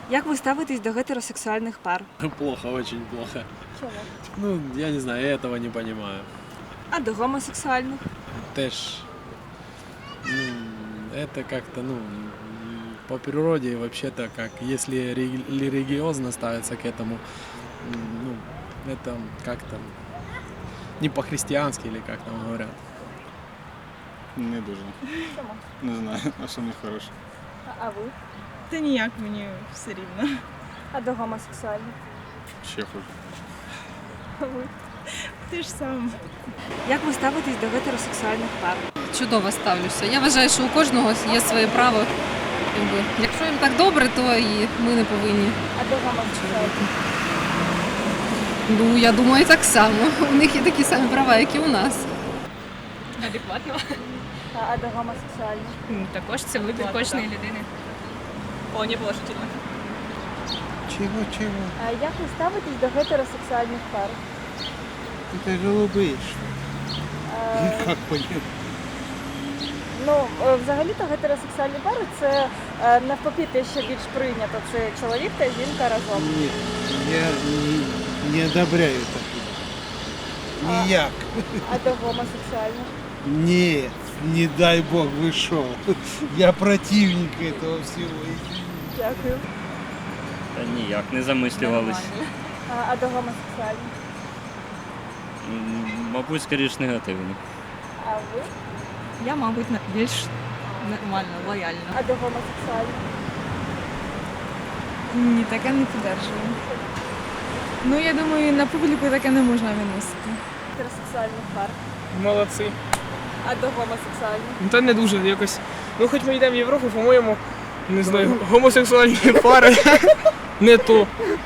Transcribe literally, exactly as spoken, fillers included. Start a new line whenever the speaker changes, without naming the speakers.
Як ви ставитесь до гетеросексуальних пар?
Плохо, очень плохо.
Чому?
Ну, я не знаю, я этого не понимаю.
А до гомосексуальних?
Теж, ну, это как-то, ну, по природе вообще-то как, если реги- религиозно ставиться к этому, ну, это как-то не по-христиански или как там говорят.
Не дуже.
Чому?
Не знаю, а що не хороше.
А ви?
Та ніяк, мені все рівно.
А до гомосексуальних?
Ще хуже.
А ви?
Ти ж сам.
Як ви ставитесь до гетеросексуальних пар?
Чудово ставлюся. Я вважаю, що у кожного є своє право. Якби. Якщо їм так добре, то і ми не повинні.
А до гомосексуальних?
Ну, я думаю, так само. У них є такі самі права, як і у нас.
Адекватно.
А, а до гомосексуальних?
Також це вибір кожної людини. Повні положительно.
Чего, чего?
А як ви ставитесь до гетеросексуальних пар?
Это голубые, что ли?
Е,
Как понять?
Ну, е, взагалі-то гетеросексуальні пари це е, навпаки те, що більш прийнято. Це чоловік та жінка разом.
Нет, я не, не одобряю такое. Ніяк.
А до гомосексуальних?
Нет, не дай бог, вы шо. Я противник этого всего.
Дякую.
Та ніяк, не замислювались.
А, а до гомосексуальних?
М, Мабуть, скоріш негативно.
А ви?
Я, мабуть, більш нормально, лояльно.
А до гомосексуальних?
Ні, таке не підтримую. Ну, я думаю, на публіку таке не можна виносити.
Гетеросексуальних пар.
Молодці.
А до гомосексуальних?
Ну та не дуже якось. Ну хоч ми йдемо в Європу, по-моєму, не знаю, гомосексуальні пари не то.